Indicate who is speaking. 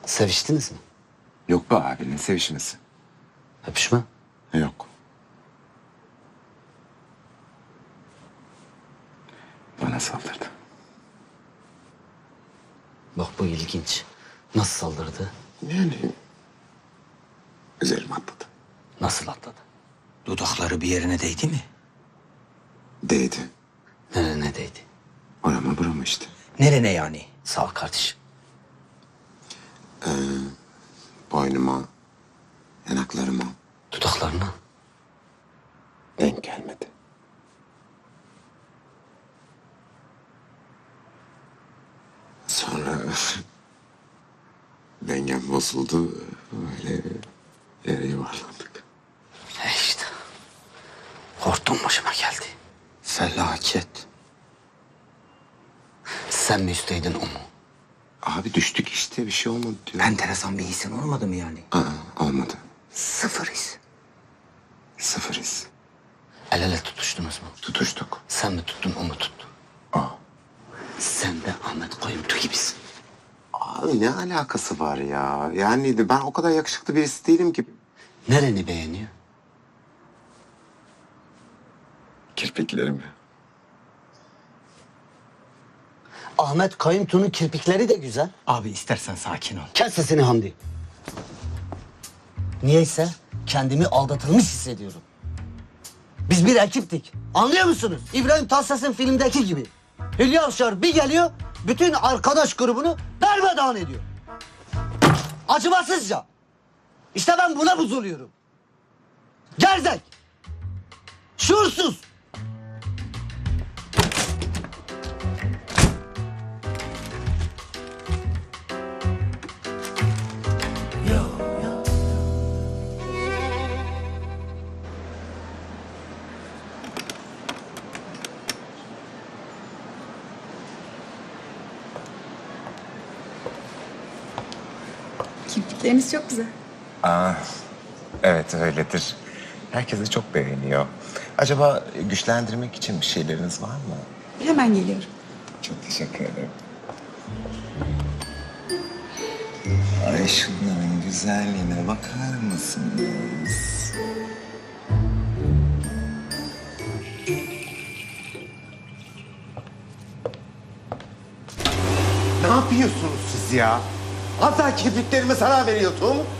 Speaker 1: Seviştiniz mi?
Speaker 2: Yok be abi, ne sevişmesi?
Speaker 1: Öpüşme.
Speaker 2: Yok. Bana saldırdı.
Speaker 1: Bak bu ilginç. Nasıl saldırdı?
Speaker 2: Yani üzerime atladı.
Speaker 1: Nasıl atladı?
Speaker 3: Dudakları bir yerine değdi mi?
Speaker 2: Değdi.
Speaker 1: Nereye değdi?
Speaker 2: Orama burama işte.
Speaker 3: Nerene yani?
Speaker 1: Sağ ol kardeşim.
Speaker 2: Boynuma, yanaklarıma
Speaker 1: Dudaklarına.
Speaker 2: denk gelmedi. Sonra dengem bozuldu. Böyle yere yuvarlandık.
Speaker 1: İşte. Hortum başıma geldi. Felaket. Sen mi üstteydin o mu?
Speaker 2: Abi düştük işte, bir şey olmadı diyor.
Speaker 3: Enteresan bir hisin olmadı mı yani?
Speaker 2: Olmadı.
Speaker 3: Sıfır his.
Speaker 2: Sıfır his.
Speaker 1: El ele tutuştunuz mu?
Speaker 2: Tutuştuk.
Speaker 1: Sen mi tuttun o mu tuttu?
Speaker 2: Aa.
Speaker 1: Sen de Ahmet Koyuntu gibisin.
Speaker 2: Abi ne alakası var ya? Yani ben o kadar yakışıklı birisi değilim ki.
Speaker 1: Nereni beğeniyor?
Speaker 2: Kirpiklerimi.
Speaker 1: Ahmet Kayıntu'nun kirpikleri de güzel.
Speaker 3: Abi istersen sakin ol.
Speaker 1: Kes sesini Hamdi. Niyeyse kendimi aldatılmış hissediyorum. Biz bir ekiptik. Anlıyor musunuz? İbrahim Tatlıses'in filmdeki gibi. Hülya Avşar bir geliyor, bütün arkadaş grubunu darmadağın ediyor. Acımasızca. İşte ben buna bozuluyorum. Gerzek. Şuursuz.
Speaker 4: Kirpikleriniz çok güzel.
Speaker 5: Evet öyledir. Herkes de çok beğeniyor. Acaba güçlendirmek için bir şeyleriniz var mı?
Speaker 4: Hemen geliyorum.
Speaker 5: Çok teşekkür ederim. Ay şunların güzelliğine bakar mısınız?
Speaker 2: Ne yapıyorsunuz siz ya? Az daha kirpiklerime zarar veriyordum.